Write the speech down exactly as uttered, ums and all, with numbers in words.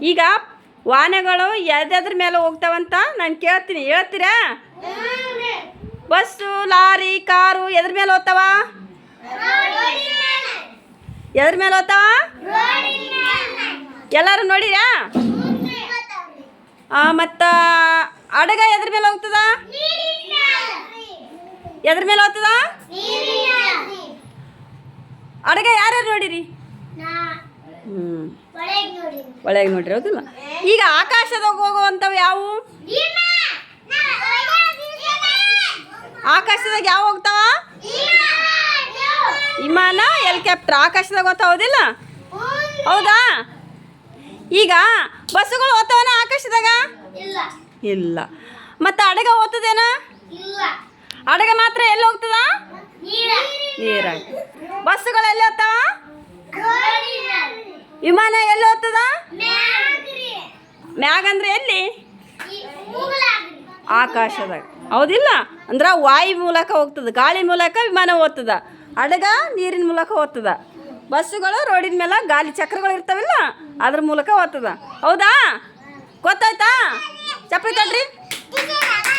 ಈಗ ವಾಹನಗಳು ಯಾವ್ದಾದ್ರ ಮೇಲೆ ಹೋಗ್ತಾವಂತ ನಾನು ಕೇಳ್ತೀನಿ, ಹೇಳ್ತೀರಾ? ಬಸ್ಸು, ಲಾರಿ, ಕಾರು ಎದ್ರ ಮೇಲೆ ಹೋಗ್ತಾವ? ಎದ್ರ ಮೇಲೆ ಹೋಗ್ತಾವ? ಎಲ್ಲರೂ ನೋಡಿರಾ? ಮತ್ತು ಹಡಗ ಎದ್ರ ಮೇಲೆ ಹೋಗ್ತದ? ಎದ್ರ ಮೇಲೆ ಹೋಗ್ತದ? ಹಡಗ ಯಾರ್ಯಾರು ನೋಡಿರಿ? ಹ್ಞೂ ಒಳಗೆ ನೋಡಿರಿ, ಹೌದಿಲ್ಲ? ಈಗ ಆಕಾಶದಾಗ ಹೋಗುವಂಥವು ಯಾವುವು? ಆಕಾಶದಾಗ ಯಾವ ಹೋಗ್ತಾವ? ವಿಮಾನ, ಹೆಲಿಕಾಪ್ಟರ್ ಆಕಾಶದಾಗ ಹೋಗ್ತಾವ, ಹೌದಿಲ್ಲ? ಹೌದಾ? ಈಗ ಬಸ್ಸುಗಳು ಹೋಗ್ತಾವನ ಆಕಾಶದಾಗ? ಇಲ್ಲ. ಮತ್ತು ಹಡಗ ಹೋಗ್ತದೇನ? ಹಡಗ ಮಾತ್ರ ಎಲ್ಲಿ ಹೋಗ್ತದ? ನೀರಾಗ. ಬಸ್ಸುಗಳು ಎಲ್ಲಿ ಹೋಗ್ತಾವ? ವಿಮಾನ ಎಲ್ಲಿ ಹೋಗ್ತದ? ಮ್ಯಾಗ ಅಂದ್ರೆ ಎಲ್ಲಿ? ಆಕಾಶದಾಗ, ಹೌದಿಲ್ಲ? ಅಂದ್ರೆ ವಾಯು ಮೂಲಕ ಹೋಗ್ತದೆ, ಗಾಳಿ ಮೂಲಕ ವಿಮಾನ ಹೋಗ್ತದ, ಹಡಗ ನೀರಿನ ಮೂಲಕ ಹೋಗ್ತದ, ಬಸ್ಸುಗಳು ರೋಡಿನ ಮೇಲೆ ಗಾಲಿ ಚಕ್ರಗಳು ಇರ್ತಾವಿಲ್ಲ ಅದ್ರ ಮೂಲಕ ಹೋಗ್ತದ. ಹೌದಾ? ಗೊತ್ತಾಯ್ತಾ? ಚಪ್ಪಲಿ ತಡ್ರಿ.